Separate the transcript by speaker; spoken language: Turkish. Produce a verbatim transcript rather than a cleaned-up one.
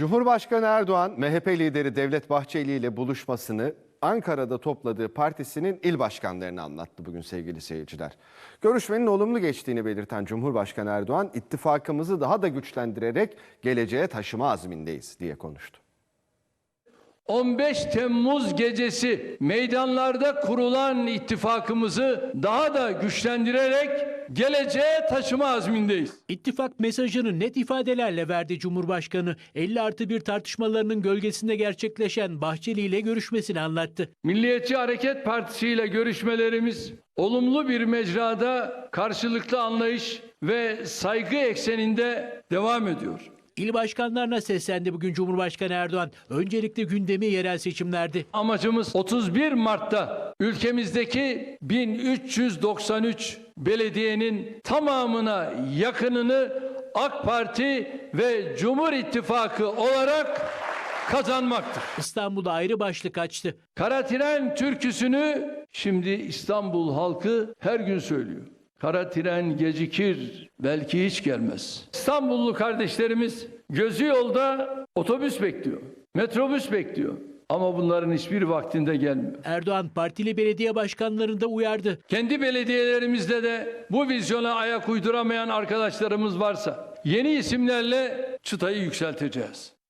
Speaker 1: Cumhurbaşkanı Erdoğan, M H P lideri Devlet Bahçeli ile buluşmasını Ankara'da topladığı partisinin il başkanlarına anlattı bugün sevgili seyirciler. Görüşmenin olumlu geçtiğini belirten Cumhurbaşkanı Erdoğan, ittifakımızı daha da güçlendirerek geleceğe taşıma azmindeyiz diye konuştu.
Speaker 2: on beş Temmuz gecesi meydanlarda kurulan ittifakımızı daha da güçlendirerek geleceğe taşıma azmindeyiz.
Speaker 3: İttifak mesajını net ifadelerle verdi Cumhurbaşkanı. elli artı bir tartışmalarının gölgesinde gerçekleşen Bahçeli ile görüşmesini anlattı.
Speaker 2: Milliyetçi Hareket Partisi ile görüşmelerimiz olumlu bir mecrada karşılıklı anlayış ve saygı ekseninde devam ediyor.
Speaker 3: İl başkanlarına seslendi bugün Cumhurbaşkanı Erdoğan. Öncelikle gündemi yerel seçimlerdi.
Speaker 2: Amacımız otuz bir Mart'ta ülkemizdeki bin üç yüz doksan üç belediyenin tamamına yakınını AK Parti ve Cumhur İttifakı olarak kazanmaktır.
Speaker 3: İstanbul'da ayrı başlık açtı.
Speaker 2: Kara tren türküsünü şimdi İstanbul halkı her gün söylüyor. Kara tren gecikir, belki hiç gelmez. İstanbullu kardeşlerimiz gözü yolda otobüs bekliyor, metrobüs bekliyor. Ama bunların hiçbir vaktinde gelmiyor.
Speaker 3: Erdoğan partili belediye başkanlarını da uyardı.
Speaker 2: Kendi belediyelerimizde de bu vizyona ayak uyduramayan arkadaşlarımız varsa yeni isimlerle çıtayı yükselteceğiz.